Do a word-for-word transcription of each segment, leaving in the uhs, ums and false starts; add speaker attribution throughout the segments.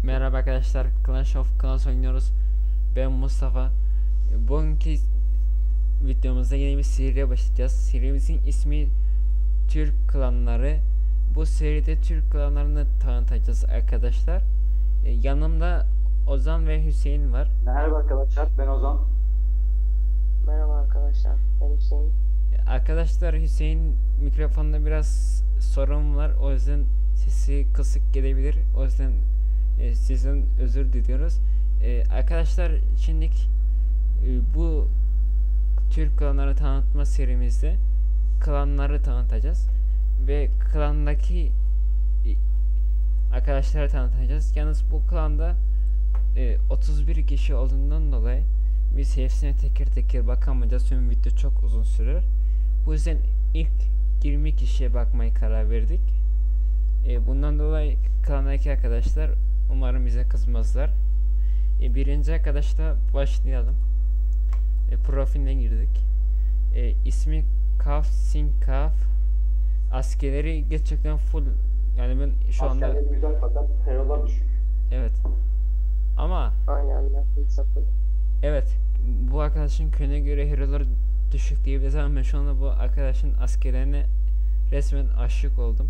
Speaker 1: Merhaba arkadaşlar, Clash of Clans oynuyoruz. Ben Mustafa. Bugünkü videomuzda yeni bir seriye başlayacağız. Serimizin ismi Türk Klanları. Bu seride Türk klanlarını tanıtacağız arkadaşlar. E, yanımda Ozan ve Hüseyin var.
Speaker 2: Merhaba arkadaşlar, ben Ozan.
Speaker 3: Merhaba arkadaşlar, ben Hüseyin.
Speaker 1: E, arkadaşlar Hüseyin mikrofonda biraz sorun var. O yüzden sesi kısık gelebilir. O yüzden e, sizden özür diliyoruz. E, arkadaşlar şimdi e, bu Türk klanları tanıtma serimizde klanları tanıtacağız ve klandaki e, arkadaşları tanıtacağız. Yalnız bu klanda e, otuz bir kişi olduğundan dolayı biz hepsine teker teker bakamayacağız. Tüm video çok uzun sürer. Bu yüzden ilk yirmi kişiye bakmayı karar verdik. E, bundan dolayı klandaki arkadaşlar umarım bize kızmazlar. E, birinci arkadaşla başlayalım. E, profiline girdik. E, ismi Kaf Sinkaf. Askerleri gerçekten full. Yani ben şu anda
Speaker 2: Askerleri güzel fakat herolar düşük.
Speaker 1: evet. Ama
Speaker 3: Aynen ben sıfır.
Speaker 1: evet, bu arkadaşın köyüne göre hero'ları düşük diyebiliriz ama ben şu anda bu arkadaşın askerlerine resmen aşık oldum.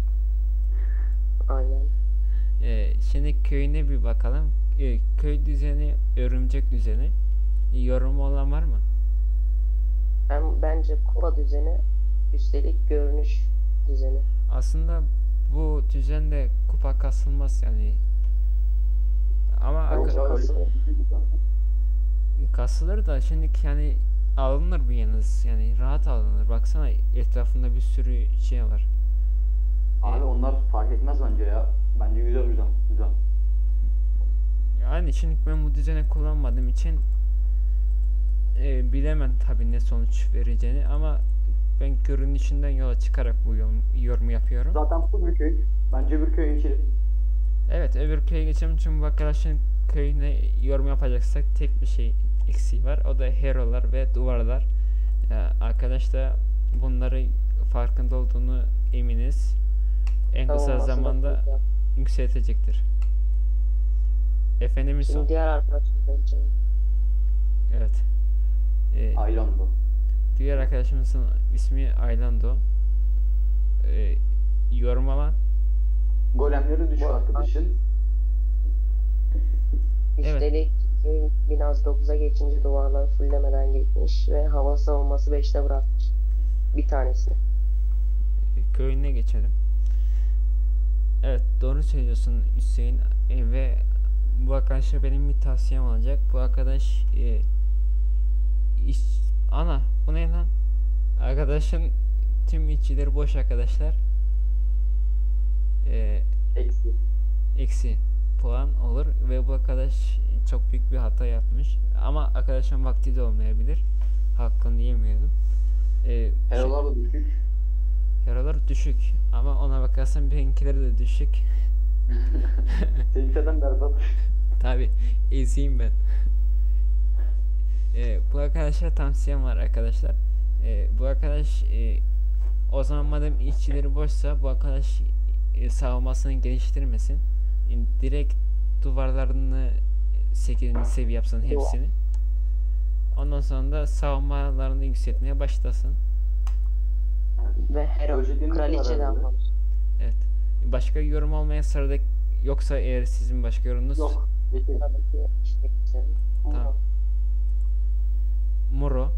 Speaker 3: Aynen.
Speaker 1: Ee, şimdi köyüne bir bakalım. Ee, köy düzeni, örümcek düzeni. Yorumu olan var mı?
Speaker 3: Ben bence kupa düzeni, üstelik görünüş düzeni.
Speaker 1: Aslında bu düzende kupa kasılmaz yani. Ama
Speaker 3: Bence
Speaker 1: aka-
Speaker 3: kasılır.
Speaker 1: kasılır da şimdi yani alınır bir yalnız, yani rahat alınır. Baksana etrafında bir sürü şey var.
Speaker 2: Abi onlar fark etmez bence ya. Bence güzel güzel. Güzel.
Speaker 1: Yani şimdi ben bu düzeni kullanmadığım için e, bilemem tabii ne sonuç vereceğini, ama ben görünüşünden yola çıkarak bu yorum, yorum yapıyorum.
Speaker 2: Zaten full bir köy. Bence bir köye geçelim.
Speaker 1: Evet, öbür köye geçelim çünkü bu arkadaşın köyüne yorum yapacaksak tek bir şey eksiği var, o da hero'lar ve duvarlar. Ya, arkadaş da bunları farkında olduğunu eminiz. En kısa
Speaker 3: Savunması da
Speaker 1: zamanda
Speaker 3: güzel.
Speaker 1: yükseltecektir. Efendim Yusuf?
Speaker 3: Şimdi diğer arkadaşım bence.
Speaker 1: Evet. Ee,
Speaker 2: Aylan bu.
Speaker 1: diğer arkadaşımızın ismi Aylando. Ee, yorum alan.
Speaker 2: Golemleri düşük
Speaker 3: Bu-
Speaker 2: arkadaşın.
Speaker 3: Üstelik köy biraz dokuza geçince duvarları fullemeden geçmiş ve hava savunması beşte bırakmış. Bir tanesini.
Speaker 1: e, köyüne geçelim. Evet, doğru söylüyorsun Hüseyin. E, ve bu arkadaşa benim bir tavsiyem olacak. Bu arkadaş e, iş, ana bu ne lan? Arkadaşın tüm içileri boş arkadaşlar. E,
Speaker 2: Eksi.
Speaker 1: eksi puan olur ve bu arkadaş çok büyük bir hata yapmış. Ama arkadaşın vakti de olmayabilir. Hakkını yemeyelim. E,
Speaker 2: Herolar da düşük.
Speaker 1: Hero'lar düşük ama ona bakarsan benimkileri de düşük.
Speaker 2: Senin zaten berbat.
Speaker 1: Tabi eziyim ben. Ee, bu arkadaşa tavsiyem var arkadaşlar. Ee, bu arkadaş e, o zaman madem işçileri boşsa bu arkadaş e, savunmasını geliştirmesin. E, direkt duvarlarını sekizinci seviye yapsın hepsini. Ondan sonra da savunmalarını yükseltmeye başlasın.
Speaker 3: Ve hero
Speaker 2: Özelliğini
Speaker 3: kraliçe de
Speaker 2: karar verdi.
Speaker 3: almamış.
Speaker 1: Evet. Başka yorum olmayan sırada, yoksa eğer sizin başka yorumunuz
Speaker 2: Yok. Geçelim.
Speaker 3: Sıradaki işte güzel.
Speaker 1: Tamam. Muro.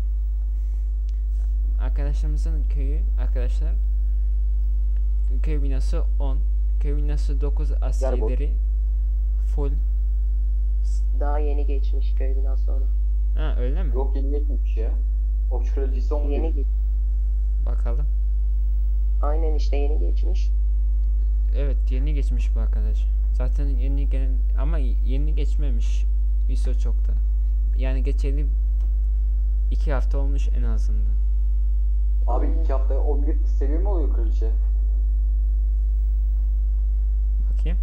Speaker 1: Arkadaşlarımızın köyü arkadaşlar, köy binası on, köy binası dokuz, askerleri full.
Speaker 3: Daha yeni geçmiş köy binası sonra.
Speaker 1: Ha, öyle mi?
Speaker 2: Yok yeni geçmemiş ya. Okçu kraliçesi on
Speaker 3: Yeni
Speaker 2: bir.
Speaker 3: geç.
Speaker 1: Bakalım.
Speaker 3: Aynen işte yeni geçmiş.
Speaker 1: Evet, yeni geçmiş bu arkadaş. Zaten yeni gelen ama yeni geçmemiş. İso çok da. Yani geçeli iki hafta olmuş en azından.
Speaker 2: Abi iki haftaya on bir seviye mi oluyor kraliçe?
Speaker 1: Bakayım.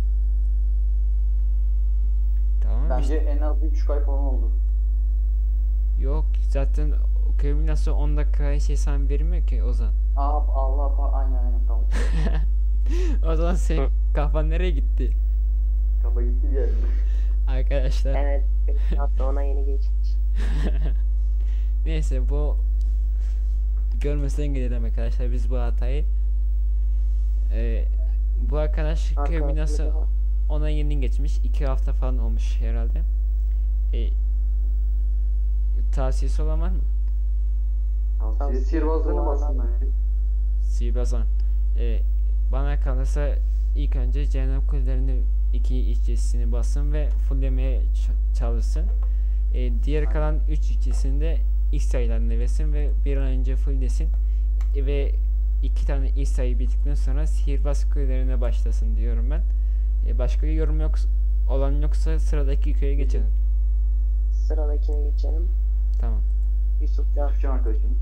Speaker 1: Tamam
Speaker 2: Bence
Speaker 1: işte.
Speaker 2: en az bir buçuk ay falan oldu.
Speaker 1: Yok zaten köy binası on dakika şey sen vermiyor ki Ozan.
Speaker 2: Aa Allah Allah aynen aynen tamam.
Speaker 1: O zaman senin kafan nereye gitti?
Speaker 2: Kafa gitti bir yerinde.
Speaker 1: Arkadaşlar
Speaker 3: Evet. beş hafta ona yeni geçmiş.
Speaker 1: neyse bu görmezden gelelim arkadaşlar biz bu hatayı. Ee, bu arkadaş köy
Speaker 3: Arkadaşımız
Speaker 1: binası
Speaker 3: da var.
Speaker 1: ona yeni geçmiş. iki hafta falan olmuş herhalde. Ee, tavsiyesi olan var mı?
Speaker 2: Tavsiye
Speaker 3: Tavsiye
Speaker 2: sihirbazlarına
Speaker 3: duvarlar.
Speaker 2: bassın bence.
Speaker 1: Sihirbazan. Ee, bana kalırsa ilk önce cehennem kulelerini iki işçisini bassın ve fulllemeye ç- çalışsın. Ee, diğer
Speaker 2: Aynen.
Speaker 1: kalan üç işçisini de X sayılarını versin ve bir an önce fulllesin. E, ve iki tane X sayı bittikten sonra sihirbaz kulelerine başlasın diyorum ben. E, başka yorum yok olan yoksa sıradaki köye geçelim.
Speaker 3: Sıradakine geçelim.
Speaker 1: Tamam.
Speaker 3: Yusufcan.
Speaker 2: Türkçen arkadaşım.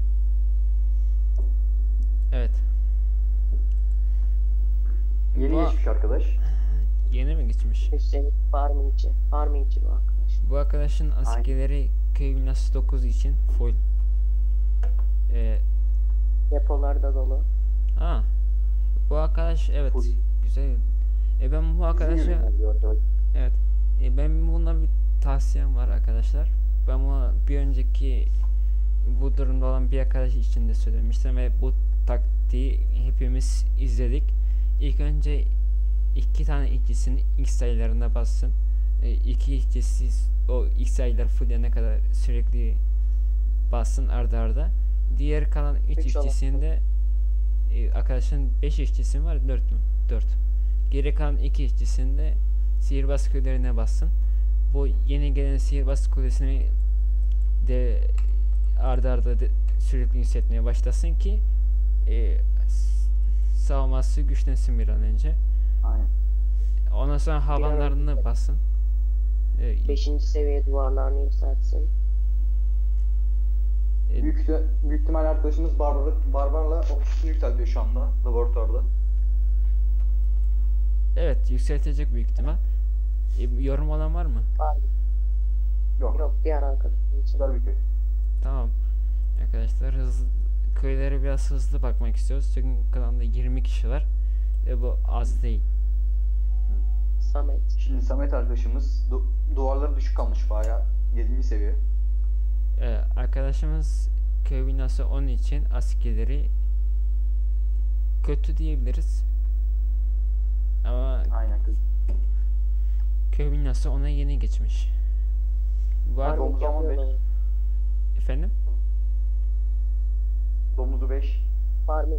Speaker 1: Evet.
Speaker 2: Yeni
Speaker 1: Bu-
Speaker 2: geçmiş arkadaş.
Speaker 1: Yeni mi geçmiş?
Speaker 3: Hüseyin Farmingçi. Farmingçi bu arkadaş.
Speaker 1: Bu arkadaşın askerleri köy binası dokuz için full. Ee,
Speaker 3: Depolar da dolu.
Speaker 1: ha. Bu arkadaş evet
Speaker 2: Full.
Speaker 1: güzel. E ben bu
Speaker 2: Bizim
Speaker 1: arkadaşa
Speaker 2: gibi benziyor arkadaş.
Speaker 1: evet. E ben buna bir tavsiyem var arkadaşlar. Ben bunu bir önceki bu durumda olan bir arkadaş için de söylemiştim ve bu taktiği hepimiz izledik. İlk önce iki tane işçisini X sayılarına bassın. E, iki işçisi o X sayılar fullene kadar sürekli bassın arda arda. Diğer kalan üç
Speaker 3: Üç olan.
Speaker 1: işçisinde e, arkadaşın beş işçisi mi var? dört mü? dört. Geri kalan iki işçisinde sihirbaz kulelerine bassın. Bu yeni gelen sihirbaz kulesini de arda arda de sürekli yükseltmeye başlasın ki e, s- savunması güçlensin bir an önce.
Speaker 2: Aynen.
Speaker 1: Ondan sonra havanlarını
Speaker 3: önce-
Speaker 1: bassın. E,
Speaker 3: Beşinci seviye duvarlarını yükseltsin.
Speaker 1: e,
Speaker 2: Büyük, ihti- büyük ihtimal arkadaşımız Barbar, Barbar'la ofisini yükseltiyor şu anda laboratuvarda.
Speaker 1: evet yükseltecek büyük ihtimal. E, yorum olan var mı?
Speaker 3: Var.
Speaker 2: Yok.
Speaker 3: Yok diğer arkadaşım için.
Speaker 2: Güzel bir köy.
Speaker 1: Tamam. Arkadaşlar hızlı köylere biraz hızlı bakmak istiyoruz. Çünkü klanda yirmi kişi var. Ve bu az değil.
Speaker 3: Samet.
Speaker 2: Şimdi Samet arkadaşımız du- duvarları düşük kalmış bayağı. yedinci seviye.
Speaker 1: Ee, arkadaşımız köy binası onun için askerleri kötü diyebiliriz. Ama
Speaker 2: Aynen kız.
Speaker 1: köy binası ona yeni geçmiş. Bu ar-
Speaker 2: Domuz
Speaker 3: Farming
Speaker 2: ama
Speaker 3: yapıyor
Speaker 2: beş.
Speaker 3: mu?
Speaker 1: efendim?
Speaker 2: Domuzu beş.
Speaker 3: Farming.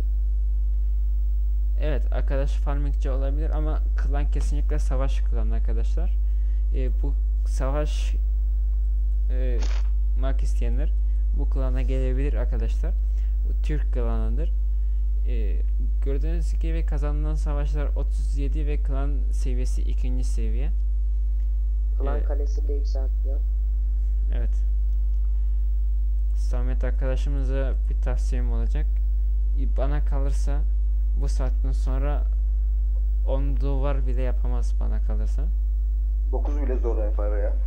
Speaker 1: Evet arkadaş farmingçi olabilir ama klan kesinlikle savaş klanı arkadaşlar. Ee, bu savaş e, mak isteyenler bu klana gelebilir arkadaşlar. Bu Türk klanıdır. Ee, gördüğünüz gibi kazanılan savaşlar otuz yedi ve klan seviyesi ikinci seviye.
Speaker 3: Klan
Speaker 1: Evet.
Speaker 3: kalesi de yükseltiyor.
Speaker 1: Evet. Samet arkadaşımıza bir tavsiyem olacak. E, Bana kalırsa bu saatten sonra on duvar bile yapamaz bana kalırsa.
Speaker 2: dokuz bile zor yapar ya.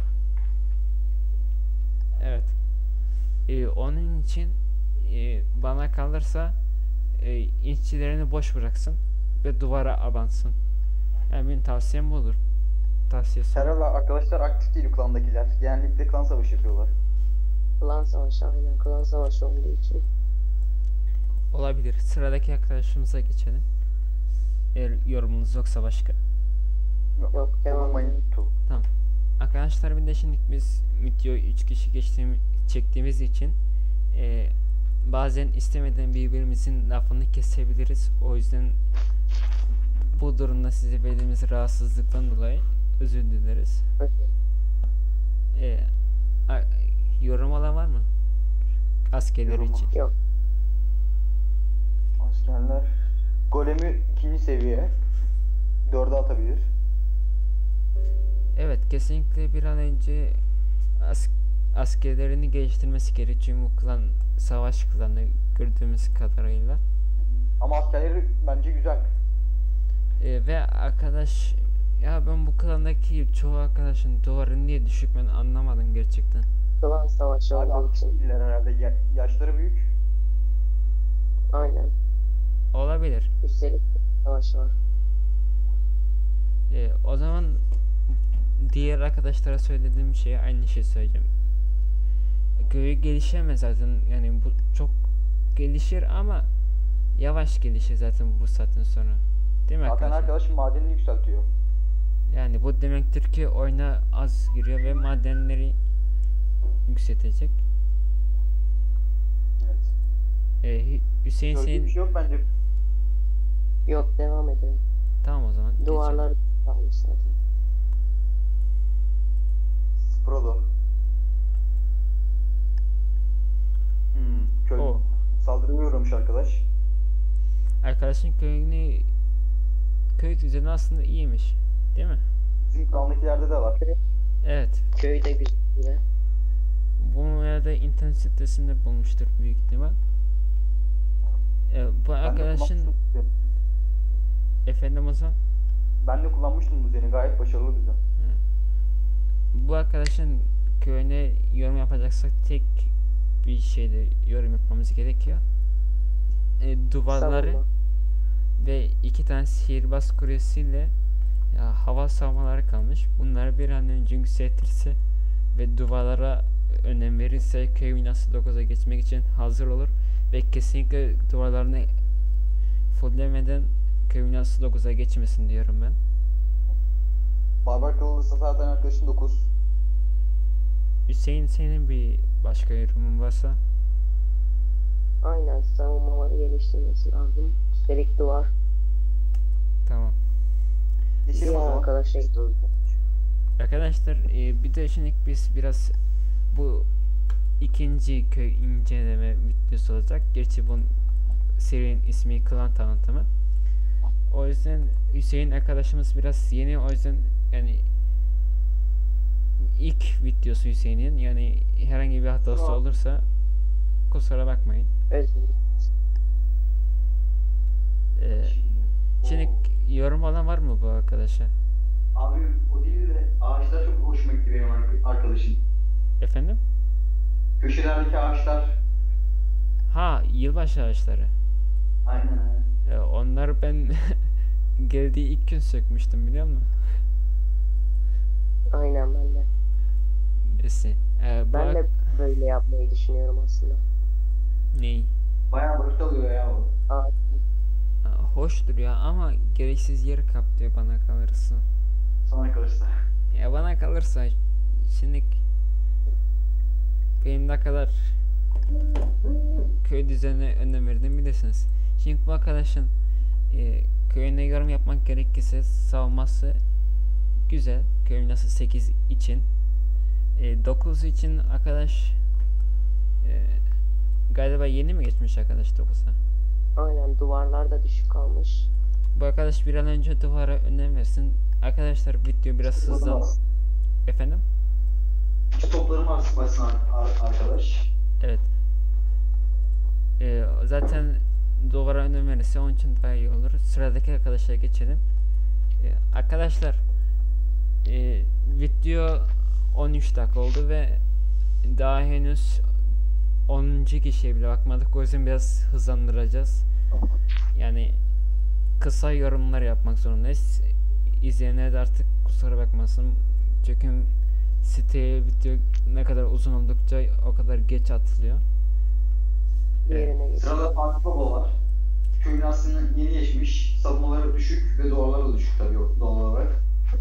Speaker 1: Evet. E, onun için e, bana kalırsa e, işçilerini boş bıraksın ve duvara abansın. Yani benim tavsiyem bu olur. Tavsiyesi.
Speaker 2: Herhalde arkadaşlar aktif değil klandakiler. Genellikle klan savaşı yapıyorlar.
Speaker 3: Klan savaşı aynen. Klan savaşı olduğu için.
Speaker 1: Olabilir. Sıradaki arkadaşımıza geçelim. Eğer yorumunuz yoksa başka.
Speaker 3: Yok, devam
Speaker 2: Olmayın.
Speaker 3: edelim.
Speaker 2: Tu.
Speaker 1: Arkadaşlar bir de şimdi biz videoyu üç kişi geçtiğim, çektiğimiz için e, bazen istemeden birbirimizin lafını kesebiliriz. O yüzden bu durumda size verdiğimiz rahatsızlıktan dolayı özür dileriz. E, a- yorum olan var mı? Askerler
Speaker 2: Yorumu.
Speaker 1: için.
Speaker 3: Yok.
Speaker 2: Askerler. Golemi ikinci seviye. Dörde atabilir.
Speaker 1: Evet kesinlikle bir an önce as askerlerini geliştirmesi gerekiyor bu klan savaş klanı gördüğümüz kadarıyla.
Speaker 2: Ama askerleri bence güzel.
Speaker 1: Ee, ve arkadaş ya ben bu klandaki çoğu arkadaşın duvarı niye düşük ben anlamadım gerçekten.
Speaker 3: Klan savaşı
Speaker 2: Abi
Speaker 3: olduğu
Speaker 2: aktif
Speaker 3: için.
Speaker 2: değiller herhalde. Ya- yaşları büyük.
Speaker 3: Aynen.
Speaker 1: Olabilir.
Speaker 3: Üstelik savaşı var.
Speaker 1: Ee, o zaman diğer arkadaşlara söylediğim şey aynı şey söyleyeceğim. Köyü gelişemez zaten, yani bu çok gelişir ama yavaş gelişir zaten bu saatten sonra. Değil mi
Speaker 2: Zaten
Speaker 1: arkadaşlar?
Speaker 2: arkadaş madenini yükseltiyor.
Speaker 1: Yani bu demektir ki oyuna az giriyor ve madenleri yükseltecek.
Speaker 2: Evet.
Speaker 1: Ee, Hü- Hüseyin
Speaker 2: Söylediği
Speaker 1: senin...
Speaker 2: bir şey yok bence.
Speaker 3: Yok, devam edelim.
Speaker 1: Tamam o zaman. geçelim.
Speaker 3: Duvarlar kalmış zaten.
Speaker 2: Sprodo. Hmm, köy
Speaker 1: O.
Speaker 2: saldırıya uğramış arkadaş.
Speaker 1: Arkadaşın köyünü... Köy düzeni aslında iyiymiş. Değil mi?
Speaker 2: Bizim klandakilerde de var.
Speaker 1: Evet.
Speaker 3: Köy de güzel.
Speaker 1: Bunu herhalde internet sitesinde bulmuştur büyük ihtimal. Ee, bu
Speaker 2: Ben de
Speaker 1: arkadaşın...
Speaker 2: kullanmıştım bu düzeni.
Speaker 1: Efendim o zaman?
Speaker 2: Ben de kullanmıştım bu düzeni. Gayet başarılı düzen.
Speaker 1: Bu arkadaşın köyüne yorum yapacaksak tek bir şeyde yorum yapmamız gerekiyor. E, duvarları
Speaker 3: Savunma.
Speaker 1: ve iki tane sihirbaz kulesiyle ya, hava savunmaları kalmış. Bunları bir an önce yükseltirse ve duvarlara önem verirse köy binası dokuza geçmek için hazır olur ve kesinlikle duvarlarını fulllemeden köy binası dokuza geçmesin diyorum ben.
Speaker 2: Barbar Kralı'sı zaten arkadaşın dokuz.
Speaker 1: Hüseyin senin bir başka yorumun varsa?
Speaker 3: Aynen, savunmaları geliştirmesi lazım. Üstelik duvar.
Speaker 1: Tamam.
Speaker 2: Geçelim o
Speaker 3: Diğer
Speaker 2: zaman.
Speaker 3: arkadaşa gidiyoruz.
Speaker 1: Arkadaşlar e, bir de şimdi biz biraz bu ikinci köy inceleme videosu olacak. Gerçi bunun serinin ismi klan tanıtımı. O yüzden Hüseyin arkadaşımız biraz yeni, o yüzden yani ilk videosu Hüseyin'in, yani herhangi bir hatası
Speaker 2: Tamam.
Speaker 1: olursa kusura bakmayın.
Speaker 3: Özür dilerim.
Speaker 1: Ee, şimdi yorum olan var mı bu arkadaşa?
Speaker 2: Abi o değil de ağaçlar çok hoşuma gitti benim ark- arkadaşım.
Speaker 1: Efendim?
Speaker 2: Köşelerdeki ağaçlar.
Speaker 1: Ha, yılbaşı ağaçları.
Speaker 2: Aynen aynen.
Speaker 1: Ee, onları ben geldiği ilk gün sökmüştüm, biliyor musun?
Speaker 3: Aynen, ben de.
Speaker 1: Neyse. Ee, bu
Speaker 3: Ben
Speaker 1: ak-
Speaker 3: de böyle yapmayı düşünüyorum aslında.
Speaker 1: Ney?
Speaker 2: Bayağı vakit alıyor ya o.
Speaker 3: Ağaç.
Speaker 1: Ha, hoş duruyor ama gereksiz yer kaplıyor bana kalırsa.
Speaker 2: Sana kalırsa.
Speaker 1: Ya bana kalırsa şimdi benim ne kadar köy düzenine önem verdiğimi bilirsiniz. Şimdi bu arkadaşın e, köyüne yorum yapmak gerekirse savunması güzel. Köy nasıl sekiz için. E, dokuz için arkadaş e, galiba yeni mi geçmiş arkadaş dokuza?
Speaker 3: Aynen, duvarlar da düşük kalmış.
Speaker 1: Bu arkadaş bir an önce duvara önem versin. Arkadaşlar video biraz hızlan. Efendim?
Speaker 2: Şu toplarımı asmasın arkadaş.
Speaker 1: Evet. Ee, zaten duvara önem verirse onun için daha iyi olur. Sıradaki arkadaşlara geçelim. Ee, arkadaşlar e, video on üç dakika oldu ve daha henüz onuncu kişiye bile bakmadık. O yüzden biraz hızlandıracağız. Yani kısa yorumlar yapmak zorundayız. İzleyenler de artık kusura bakmasın. Çünkü siteye video ne kadar uzun oldukça o kadar geç atılıyor.
Speaker 3: Yerine geçiyor.
Speaker 2: Sırada Fatih Baba var. Köyün aslında yeni geçmiş. Savunmaları düşük ve duvarları da düşük tabii doğal olarak.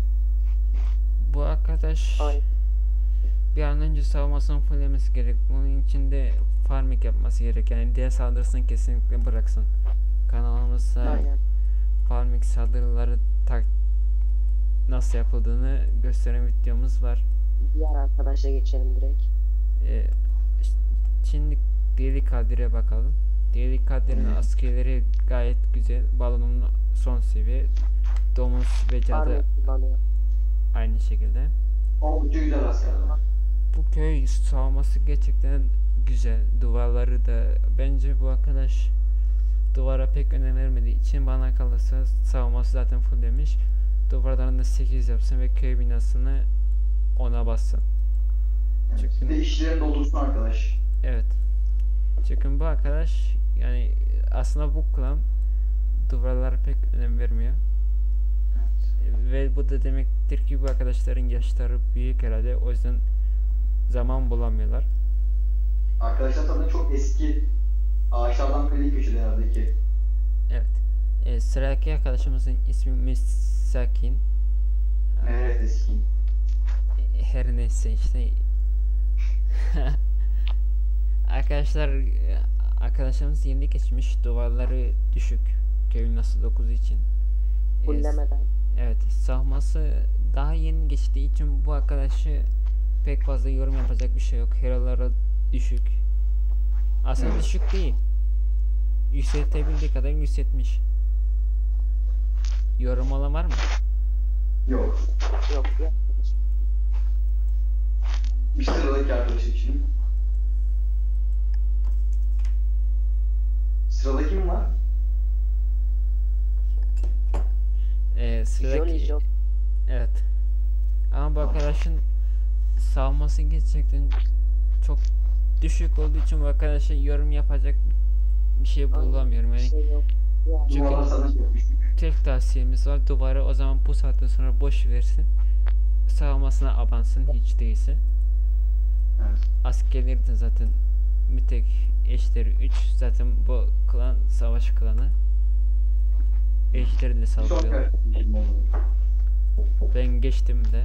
Speaker 1: Bu arkadaş
Speaker 3: Aynen.
Speaker 1: bir an önce savunmasını fullemesi gerek. Bunun için de farming yapması gerek. Yani diğer saldırısını kesinlikle bıraksın. Kanalımızda
Speaker 3: Aynen.
Speaker 1: farming saldırıları tak nasıl yapıldığını gösteren videomuz var.
Speaker 3: Diğer arkadaşa geçelim direkt.
Speaker 1: Ee, ş- şimdi Deli Kadir'e bakalım. Deli Kadir'in askerleri gayet güzel. Balonun son seviye. Domuz ve cadı
Speaker 3: Army kullanıyor.
Speaker 1: aynı şekilde.
Speaker 2: Oldukça güzel askerler.
Speaker 1: Bu köy savunması gerçekten güzel. Duvarları da bence bu arkadaş duvara pek önem vermediği için bana kalırsa savunması zaten full demiş. Duvarlarını sekiz yapsın ve köy binasını ona bassın. Çünkü
Speaker 2: Bir de işlerini doldursun arkadaş.
Speaker 1: evet. Çünkü bu arkadaş yani aslında bu klan duvarlara pek önem vermiyor. Ve bu da demektir ki bu arkadaşların yaşları büyük herhalde. O yüzden zaman bulamıyorlar.
Speaker 2: Arkadaşlar sanırım çok eski ağaçlardan biri köşede herhalde ki.
Speaker 1: Evet. E, sıradaki arkadaşımızın ismi Misakin.
Speaker 2: Evet, eski.
Speaker 1: E, Her neyse işte. Arkadaşlar e, arkadaşlarımız yeni geçmiş. Duvarları düşük. Köyün nasıl dokuz için. E,
Speaker 3: Fullemeden.
Speaker 1: Evet, savunması daha yeni geçtiği için bu arkadaşı pek fazla yorum yapacak bir şey yok. Hero'ları düşük. Aslında
Speaker 2: Evet.
Speaker 1: düşük değil. Yükseltebildiği kadar yükseltmiş. Yorum olan var mı?
Speaker 2: Yok.
Speaker 3: Yok bir arkadaş.
Speaker 2: Bir sıradaki arkadaşım şimdi. Sırada kim var?
Speaker 1: Ee, sıradaki...
Speaker 3: Jolly Job.
Speaker 1: Evet. Ama bu arkadaşın savunması gerçekten çok düşük olduğu için bu arkadaşa yorum yapacak bir şey bulamıyorum.
Speaker 3: Bir
Speaker 1: Yani
Speaker 3: şey yok. Yani
Speaker 1: Çünkü-
Speaker 2: Duvarlar sana çok düşük.
Speaker 1: tek tavsiyemiz var, duvarı o zaman bu saatten sonra boş versin. Savunmasına abansın hiç değilse.
Speaker 2: Evet.
Speaker 1: Askerleri de zaten bir tek eşleri üç. Zaten bu klan savaş klanı. Eşleriyle
Speaker 2: Bir sonraki
Speaker 1: saldırıyor.
Speaker 2: arkadaşım oldu.
Speaker 1: Ben geçtim de.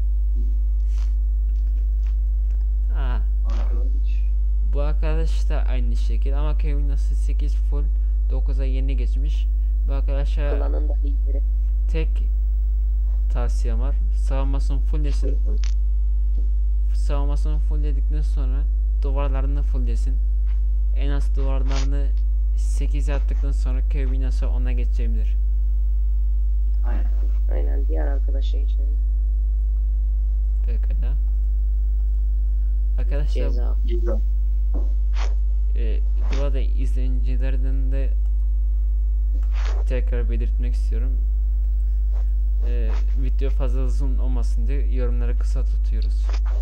Speaker 1: Aa,
Speaker 2: Arkadaş.
Speaker 1: bu arkadaş da aynı şekil ama Kevin nasıl sekiz full dokuza yeni geçmiş. Bu arkadaşa
Speaker 3: klanın da lideri.
Speaker 1: tek tavsiyem var. Savunmasını fulllesin. Savunmasını fullledikten sonra duvarlarını fulllesin. En az duvarlarını sekiz yaptıktan sonra köy binası ona geçebilir.
Speaker 2: Aynen.
Speaker 3: Aynen diğer arkadaşa geçelim.
Speaker 1: Pekala. Arkadaşlar
Speaker 3: Ceza.
Speaker 2: Güzel.
Speaker 1: e, bu arada izleyicilerden de tekrar belirtmek istiyorum. E, video fazla uzun olmasın diye yorumları kısa tutuyoruz.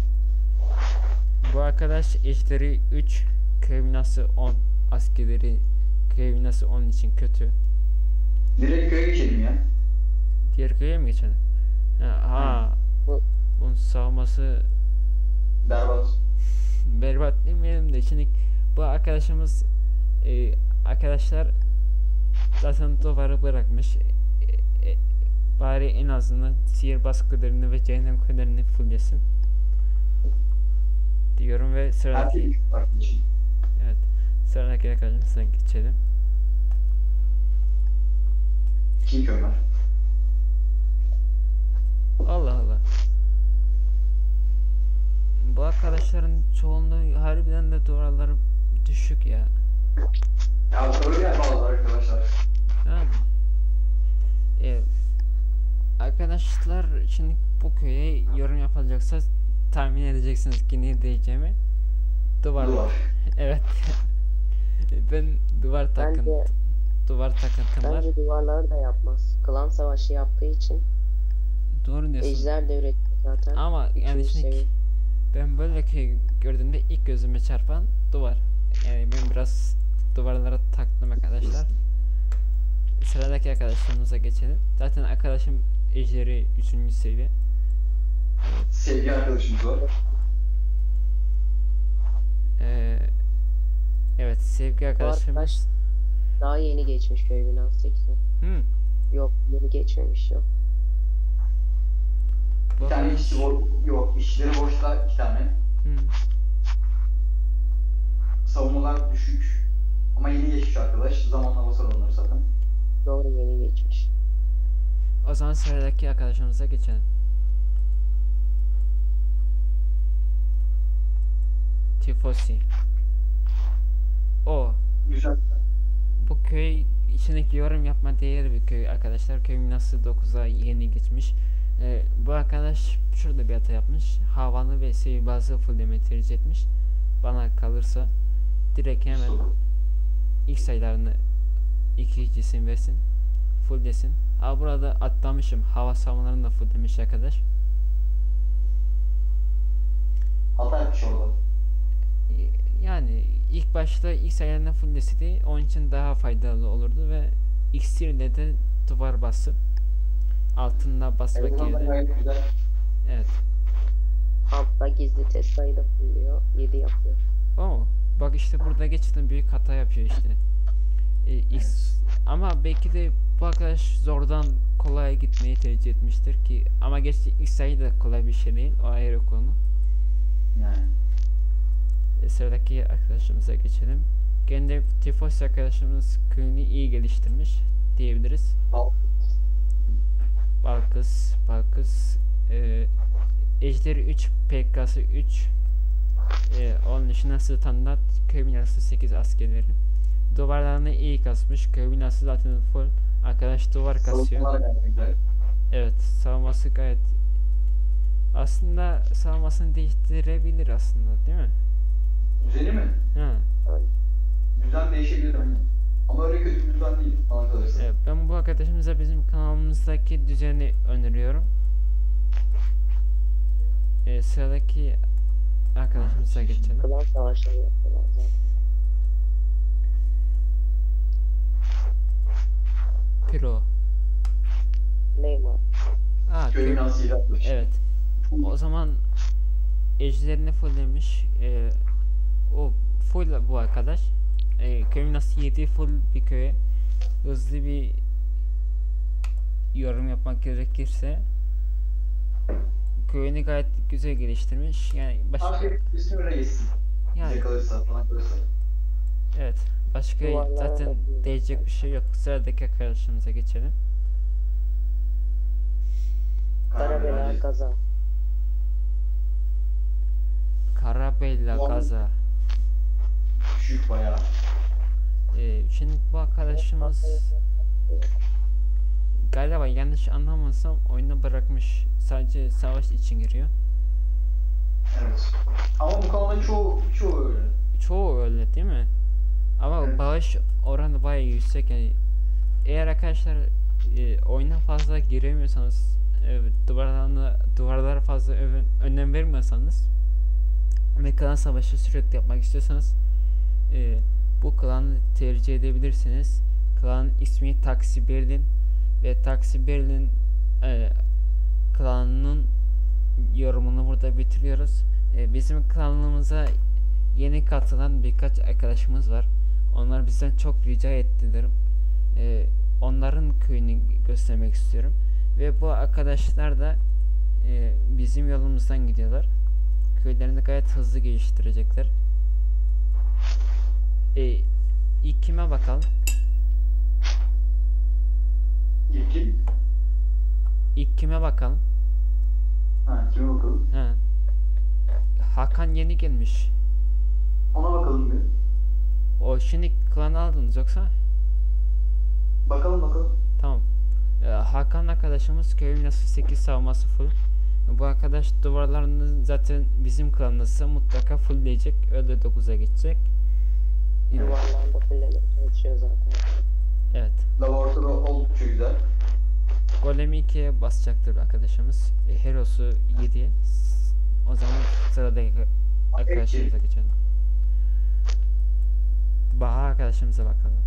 Speaker 1: Bu arkadaş eşleri üç, köy binası on, askerleri köy binası on için kötü.
Speaker 2: Direkt köye geçelim ya.
Speaker 1: Diğer köye mi geçelim? Ha, ha.
Speaker 3: Bu-
Speaker 1: Bunun savunması
Speaker 2: Berbat.
Speaker 1: berbat demeyelim de şimdi bu arkadaşımız e, arkadaşlar zaten duvarı bırakmış. E, e, bari en azından sihirbaz kulerini ve cehennem kulelerini fulllesin diyorum ve sıradaki
Speaker 2: Erkek arkadaşım.
Speaker 1: evet sıradaki arkadaşımıza geçelim.
Speaker 2: Kim Ömer?
Speaker 1: Allah Allah. Bu arkadaşların çoğunluğu harbiden de duvarları düşük ya.
Speaker 2: Ya öyle yapmalılar arkadaşlar.
Speaker 1: Yani. E, arkadaşlar şimdi bu köye yorum yapılacaksa tahmin edeceksiniz ki ne diyeceğimi. Duvar.
Speaker 2: Duvar.
Speaker 1: Evet. Ben duvar takıntı
Speaker 3: Bence,
Speaker 1: duvar takıntım var.
Speaker 3: bence duvarları da yapmaz. Klan savaşı yaptığı için
Speaker 1: Doğru diyorsun.
Speaker 3: ejder de üretti zaten.
Speaker 1: Ama yani
Speaker 3: Üçüncü
Speaker 1: şimdi
Speaker 3: seviye.
Speaker 1: ben böyle köy gördüğümde ilk gözüme çarpan duvar. Yani ben biraz duvarlara taktım arkadaşlar. Sıradaki arkadaşlarımıza geçelim. Zaten arkadaşım ejderi üçüncü seviye.
Speaker 2: Sevgi arkadaşımız var.
Speaker 1: Ee, evet sevgi
Speaker 3: Bu arkadaş
Speaker 1: arkadaşımız.
Speaker 3: daha yeni geçmiş köy binası sekizi.
Speaker 1: Hmm.
Speaker 3: Yok yeni geçmemiş yok.
Speaker 1: Bu
Speaker 2: Bir tane
Speaker 1: arkadaş-
Speaker 2: işçi boş, yok işçileri boşta iki tane.
Speaker 1: Hmm.
Speaker 2: Savunmalar düşük. Ama yeni geçmiş arkadaş. Zamanla basar onları zaten.
Speaker 3: Doğru yeni geçmiş.
Speaker 1: O zaman sıradaki arkadaşımıza geçelim. Tifosi. O.
Speaker 2: Güzel.
Speaker 1: Bu köy içindeki yorum yapma değeri bir köy arkadaşlar. Köy nasıl dokuza yeni geçmiş. Ee, bu arkadaş şurada bir hata yapmış. Havanı ve sihirbazı fullemeyi tercih etmiş. Bana kalırsa direkt hemen ilk sayılarını iki isim versin. Fulllesin. Ha burada atlamışım. Hava savunmalarını da fulllemiş arkadaş.
Speaker 2: Hata yapmış orada.
Speaker 1: Yani ilk başta ilk sayılarını fullleseydi onun için daha faydalı olurdu ve iksirle de duvar bastı. altında basmak
Speaker 2: Eldiven de
Speaker 1: yerine.
Speaker 2: gayet güzel.
Speaker 1: Evet.
Speaker 3: Altta gizli Tesla'yı da fulluyor. yedi yapıyor.
Speaker 1: Oo, bak işte burada geçtim büyük hata yapıyor işte. E, X, ama belki de bu arkadaş zordan kolaya gitmeyi tercih etmiştir ki, ama gerçi X'e de kolay bir şey değil, o ayrı konu.
Speaker 2: Yani.
Speaker 1: E, sıradaki arkadaşımıza geçelim. Gene Tifos arkadaşımız köyünü iyi geliştirmiş diyebiliriz.
Speaker 2: Al.
Speaker 1: Balkız, Balkız, e, Ejderi üç, P K'sı üç, e, onun dışında standart köy binası sekiz askerleri. Duvarlarını iyi kasmış. Köy binası zaten full. Arkadaş duvar kasıyor.
Speaker 2: Savunmalar gayet güzel.
Speaker 1: Evet, savunması gayet. Aslında savunmasını değiştirebilir aslında, değil mi?
Speaker 2: Düzeni mi?
Speaker 1: Ha.
Speaker 2: Düzen değişebilir aynen. Ama öyle kötü bir düzen değil bana kalırsa.
Speaker 1: Evet, ben bu arkadaşımıza bizim kanalımızdaki düzeni öneriyorum. Ee, sıradaki arkadaşımıza geçelim.
Speaker 3: Klan savaşları yapıyorlar zaten.
Speaker 1: Piro.
Speaker 3: Neymar.
Speaker 1: Aa,
Speaker 2: Köy
Speaker 1: köy-
Speaker 2: binası yapmış.
Speaker 1: Evet. O zaman ejderini fulllemiş. Ee, o full bu arkadaş. Ee, köyün nasıl yedi full bir köye. Hızlı bir yorum yapmak gerekirse köyünü gayet güzel geliştirmiş. Yani başka
Speaker 2: Artık üstüne öyle geçsin.
Speaker 1: yani
Speaker 2: Bize kalırsa falan kalırsa.
Speaker 1: evet. Başka
Speaker 3: Duvarlara
Speaker 1: zaten
Speaker 3: bakıyorum.
Speaker 1: değecek bir şey yok. Sıradaki arkadaşımıza geçelim.
Speaker 3: Karabela Gaza.
Speaker 1: Karabella
Speaker 2: Doğru.
Speaker 1: Gaza.
Speaker 2: Düşük bayağı.
Speaker 1: Ee, şimdi bu arkadaşımız galiba yanlış anlamazsam oyunu bırakmış. Sadece savaş için giriyor.
Speaker 2: Evet. Ama bu kanalda çoğu, çoğu öyle.
Speaker 1: Çoğu öyle değil mi? Ama
Speaker 2: Evet.
Speaker 1: bağış oranı bayağı yüksek yani. Eğer arkadaşlar e, oyuna fazla giremiyorsanız, e, duvarlarına duvarlara fazla ö- önem vermiyorsanız ve klan savaşı sürekli yapmak istiyorsanız e, bu klanı tercih edebilirsiniz. Klan ismi Taksi Berlin ve Taksi Berlin e, klanının yorumunu burada bitiriyoruz. E, bizim klanımıza yeni katılan birkaç arkadaşımız var. Onlar bizden çok rica ettiler. E, onların köyünü göstermek istiyorum. Ve bu arkadaşlar da e, bizim yolumuzdan gidiyorlar. Köylerini gayet hızlı geliştirecekler. E, ilk kime bakalım?
Speaker 2: İlkin.
Speaker 1: İlk kime bakalım?
Speaker 2: Ha, kime bakalım?
Speaker 1: Ha. Hakan yeni gelmiş.
Speaker 2: Ona bakalım bir.
Speaker 1: O şimdi klanı aldınız yoksa?
Speaker 2: Bakalım bakalım.
Speaker 1: Tamam. Ee, Hakan arkadaşımız köyün nasıl sekiz savunması full. Bu arkadaş duvarlarını zaten bizim klanımızsa mutlaka fullleyecek. Öyle dokuza geçecek.
Speaker 3: Duvarlarda fullemeye çalışıyor zaten.
Speaker 1: Evet.
Speaker 2: Laboratuvarı oldukça güzel.
Speaker 1: Golemi ikiye basacaktır arkadaşımız. E, Heros'u yediye. O zaman sıradaki arkadaşımıza geçelim. Baha arkadaşımıza bakalım.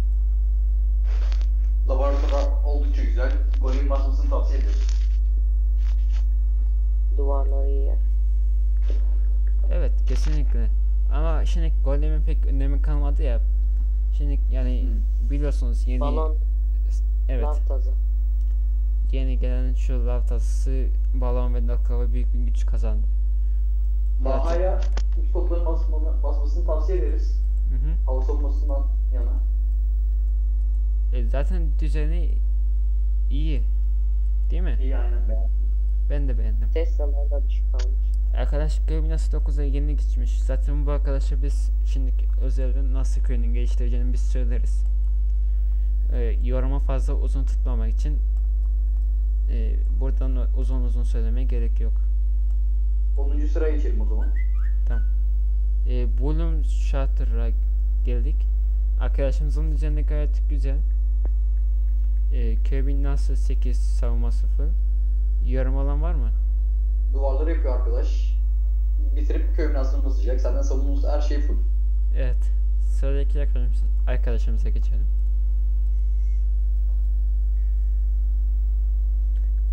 Speaker 2: Laboratuvar oldukça güzel. Golem basmasını tavsiye ederiz.
Speaker 3: Duvarları iyi.
Speaker 1: Evet, kesinlikle. Ama şimdi golemin pek önemi kalmadı ya. Şimdi yani biliyorsunuz yeni
Speaker 3: Balon,
Speaker 1: evet.
Speaker 3: lav tazı.
Speaker 1: Yeni gelen şu lav tasası balon ve Nakava büyük bir güç kazandı.
Speaker 2: Baha'ya üç topların basmanı, basmasını tavsiye ederiz.
Speaker 1: Hı hı.
Speaker 2: Hava savunmasından yana.
Speaker 1: E, zaten düzeni iyi. Değil mi?
Speaker 2: İyi aynen beğendim.
Speaker 1: Ben de beğendim.
Speaker 3: Tesla'lar da düşük kalmış.
Speaker 1: Arkadaş köy nasıl dokuza yeni geçmiş. Zaten bu arkadaşa biz şimdi özellikle nasıl köyünü geliştireceğini biz söyleriz. E, yorumu fazla uzun tutmamak için e, buradan uzun uzun söylemeye gerek yok.
Speaker 2: onuncu sıraya geçelim o zaman.
Speaker 1: E, Bloom Shatter'a geldik. Arkadaşımızın düzeni gayet güzel. E, köy binası sekiz savunması full. Yorum olan var mı?
Speaker 2: Duvarları yapıyor arkadaş. Bitirip köy binasını basacak. Zaten savunması her şey full.
Speaker 1: Evet. Sıradaki arkadaşımıza, arkadaşımıza geçelim.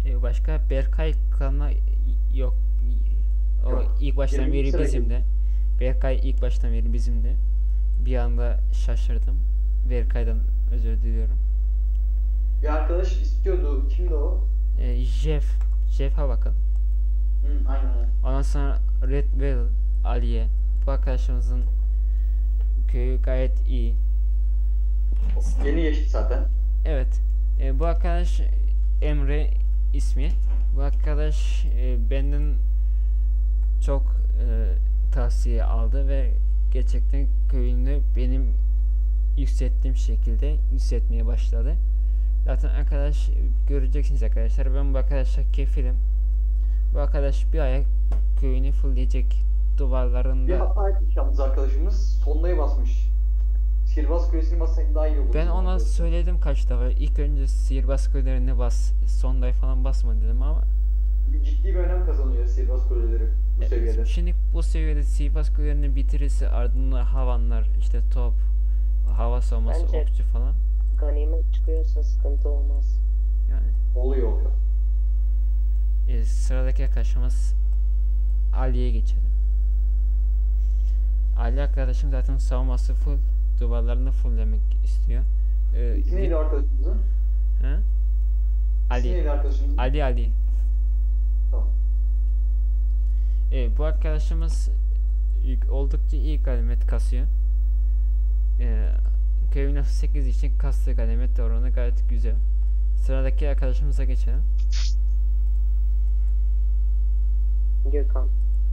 Speaker 1: E, başka Berkay kanalına yok. O
Speaker 2: Yok.
Speaker 1: ilk baştan
Speaker 2: Yirminci
Speaker 1: beri
Speaker 2: sıra
Speaker 1: bizimde. Berkay ilk baştan beri bizimde. Bir anda şaşırdım. Berkay'dan özür diliyorum.
Speaker 2: Bir arkadaş istiyordu. Kimdi o?
Speaker 1: E, Jeff. Jeff'a bakın.
Speaker 2: Hı, aynen öyle.
Speaker 1: Ondan sonra Red Well Aliye. Bu arkadaşımızın köyü gayet iyi.
Speaker 2: Yeni geçti zaten.
Speaker 1: Evet. E, bu arkadaş Emre ismi. Bu arkadaş e, benden çok e, tavsiye aldı ve gerçekten köyünü benim yükselttiğim şekilde yükseltmeye başladı. Zaten arkadaş göreceksiniz arkadaşlar. Ben bu arkadaşa kefilim. Bu arkadaş bir ayak köyünü fullleyecek
Speaker 2: Bir
Speaker 1: duvarlarında.
Speaker 2: hata etmiş yalnız arkadaşımız. Sondayı basmış. Sihirbaz kulesini bassak daha iyi olur.
Speaker 1: Ben ona söyledim kaç defa. İlk önce sihirbaz kulelerine bas. Sonday falan basma dedim ama
Speaker 2: Bir ciddi bir önem kazanıyor sihirbaz kuleleri bu
Speaker 1: e,
Speaker 2: seviyede.
Speaker 1: şimdi bu seviyede sihirbaz kulelerini bitirirse ardından havanlar, işte top, hava savunması,
Speaker 3: Bence-
Speaker 1: okçu falan.
Speaker 3: Ganimet çıkıyorsa sıkıntı olmaz.
Speaker 1: Yani
Speaker 2: Oluyor oluyor.
Speaker 1: e, sıradaki arkadaşımız Ali'ye geçelim. Ali arkadaşım zaten savunması full, duvarlarını fulllemek istiyor. E,
Speaker 2: İsmi neydi arkadaşımızın?
Speaker 1: He?
Speaker 2: İsmi
Speaker 1: Ali.
Speaker 2: neydi arkadaşımızın?
Speaker 1: Ali Ali.
Speaker 2: Tamam.
Speaker 1: E, bu arkadaşımız ilk- oldukça iyi ganimet kasıyor. E, Köyün sekiz için kastığı ganimet oranı gayet güzel. Sıradaki arkadaşımıza geçelim.
Speaker 3: Gökhan.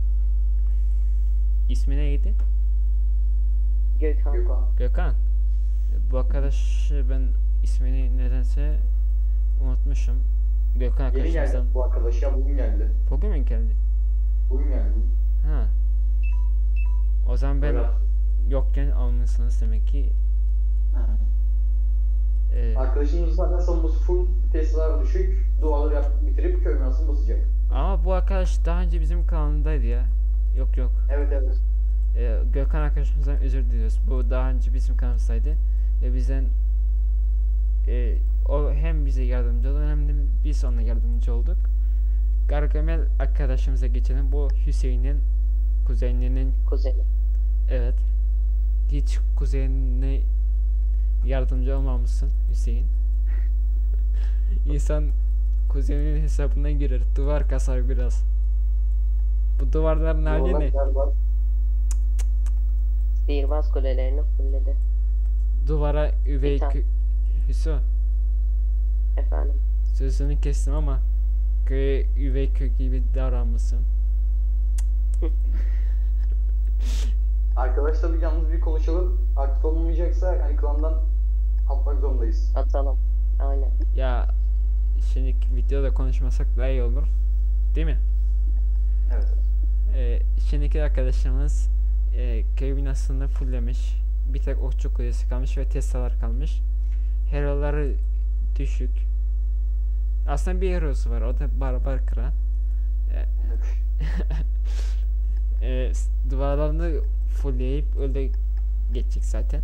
Speaker 1: İsmi neydi?
Speaker 3: Gökhan.
Speaker 2: Gökhan.
Speaker 1: Gökhan. E, Bu arkadaş ben ismini nedense unutmuşum. Gökhan
Speaker 2: Yeni geldi
Speaker 1: arkadaşımızdan.
Speaker 2: bu arkadaş ya, bugün geldi.
Speaker 1: Bugün mü geldi?
Speaker 2: Bugün geldi.
Speaker 1: Ha. O zaman ben
Speaker 2: Böyle-
Speaker 1: yokken almışsınız demek ki.
Speaker 2: Ha.
Speaker 1: E,
Speaker 2: Arkadaşımız zaten savunması full, Tesla'lar düşük, duvarları yap, bitirip köy binasını basacak.
Speaker 1: ama bu arkadaş daha önce bizim kanalındaydı ya. Yok yok.
Speaker 2: Evet evet.
Speaker 1: Ee, Gökhan arkadaşımızdan özür diliyoruz. Bu daha önce bizim kanalımızdaydı ve bizden e, o hem bize yardımcı oldu hem de biz ona yardımcı olduk. Gargamel arkadaşımıza geçelim. Bu Hüseyin'in kuzeninin,
Speaker 3: Kuzeni.
Speaker 1: evet, hiç kuzenine yardımcı olmamışsın Hüseyin. İnsan kuzeninin hesabına girer, duvar kasar biraz. Bu duvarların hali
Speaker 2: Duvarlar
Speaker 1: ne?
Speaker 2: galiba
Speaker 3: Sihirbaz kulelerini fullledi.
Speaker 1: Duvara üvey
Speaker 3: Bir tane.
Speaker 1: kö- Hüso,
Speaker 3: Efendim.
Speaker 1: sözünü kestim ama köye üvey kök gibi davranmışsın.
Speaker 2: Arkadaşlar bir yalnız bir konuşalım. Aktif olmayacaksa yani klandan atmak zorundayız.
Speaker 3: Atalım. Aynen.
Speaker 1: Ya şimdi videoda konuşmasak daha iyi olur. Değil mi?
Speaker 2: Evet.
Speaker 1: Ee, şimdiki arkadaşımız e, köy binasını fulllemiş. Bir tek okçu kulesi kalmış ve Tesla'lar kalmış. Hero'ları düşük. Aslında bir hero'su var. O da Barbar Kral. Ee,
Speaker 2: Evet.
Speaker 1: e, s- duvarlarını fullleyip öyle geçecek zaten.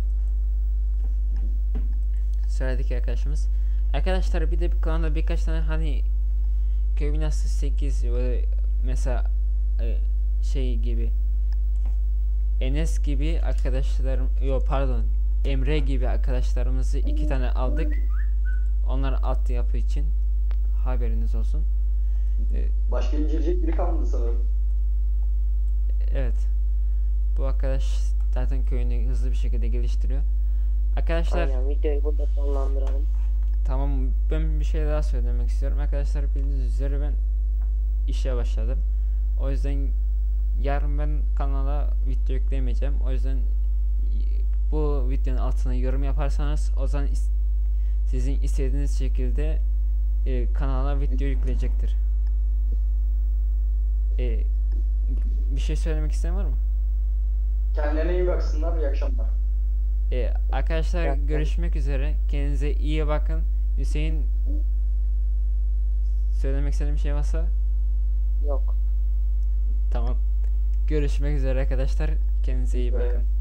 Speaker 1: Sıradaki arkadaşımız. Arkadaşlar bir de bir kanalda birkaç tane hani köy binası sekiz böyle mesela e, şey gibi Enes gibi arkadaşlarım, yok pardon, Emre gibi arkadaşlarımızı iki tane aldık. Onlar alt yapı için haberiniz olsun. E,
Speaker 2: Başka inceleyecek biri kalmadı sanırım.
Speaker 1: evet. Bu arkadaş zaten köyünü hızlı bir şekilde geliştiriyor. Arkadaşlar
Speaker 3: Aynen. Videoyu burada sonlandıralım.
Speaker 1: tamam, ben bir şey daha söylemek istiyorum. Arkadaşlar bildiğiniz üzere ben işe başladım. O yüzden yarın ben kanala video yükleyemeyeceğim. O yüzden y- bu videonun altına yorum yaparsanız o zaman is- sizin istediğiniz şekilde e, kanala video yükleyecektir. E, bir şey söylemek isteyen var mı?
Speaker 2: Kendilerine iyi baksınlar. İyi akşamlar.
Speaker 1: E, arkadaşlar
Speaker 3: Yok, yok.
Speaker 1: görüşmek üzere. Kendinize iyi bakın. Hüseyin, söylemek istediğim bir şey varsa?
Speaker 3: Yok.
Speaker 1: Tamam. Görüşmek üzere arkadaşlar. Kendinize iyi bakın.